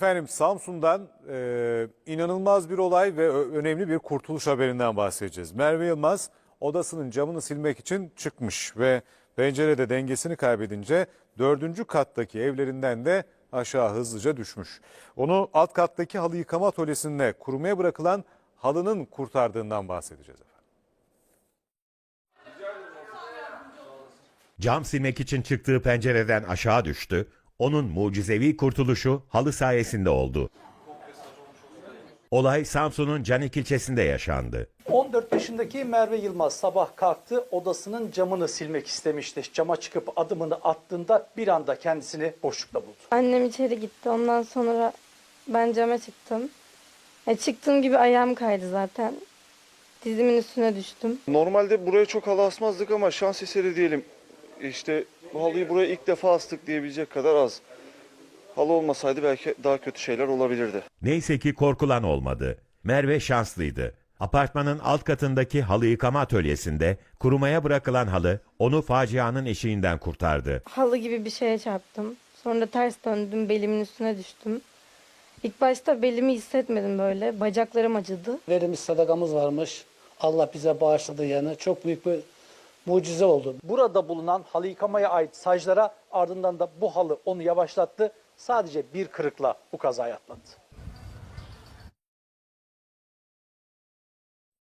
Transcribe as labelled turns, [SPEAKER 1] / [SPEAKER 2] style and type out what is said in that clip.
[SPEAKER 1] Efendim Samsun'dan inanılmaz bir olay ve önemli bir kurtuluş haberinden bahsedeceğiz. Merve Yılmaz odasının camını silmek için çıkmış ve pencerede dengesini kaybedince 4. kattaki evlerinden de aşağı hızlıca düşmüş. Onu alt kattaki halı yıkama atölyesinde kurumaya bırakılan halının kurtardığından bahsedeceğiz efendim.
[SPEAKER 2] Cam silmek için çıktığı pencereden aşağı düştü. Onun mucizevi kurtuluşu halı sayesinde oldu. Olay Samsun'un Canik ilçesinde yaşandı.
[SPEAKER 3] 14 yaşındaki Merve Yılmaz sabah kalktı, odasının camını silmek istemişti. Cama çıkıp adımını attığında bir anda kendisini boşlukta buldu.
[SPEAKER 4] Annem içeri gitti. Ondan sonra ben cama çıktım. Çıktığım gibi ayağım kaydı zaten. Dizimin üstüne düştüm.
[SPEAKER 5] Normalde buraya çok halı asmazdık ama şans eseri diyelim. İşte bu halıyı buraya ilk defa astık diyebilecek kadar az. Halı olmasaydı belki daha kötü şeyler olabilirdi.
[SPEAKER 2] Neyse ki korkulan olmadı. Merve şanslıydı. Apartmanın alt katındaki halı yıkama atölyesinde kurumaya bırakılan halı onu facianın eşiğinden kurtardı.
[SPEAKER 4] Halı gibi bir şeye çarptım. Sonra ters döndüm, belimin üstüne düştüm. İlk başta belimi hissetmedim böyle. Bacaklarım acıdı.
[SPEAKER 6] Verimiz sadakamız varmış. Allah bize bağışladı yani. Çok büyük bir mucize oldu.
[SPEAKER 3] Burada bulunan halı yıkamaya ait saclara ardından da bu halı onu yavaşlattı. Sadece bir kırıkla bu kazayı atlattı.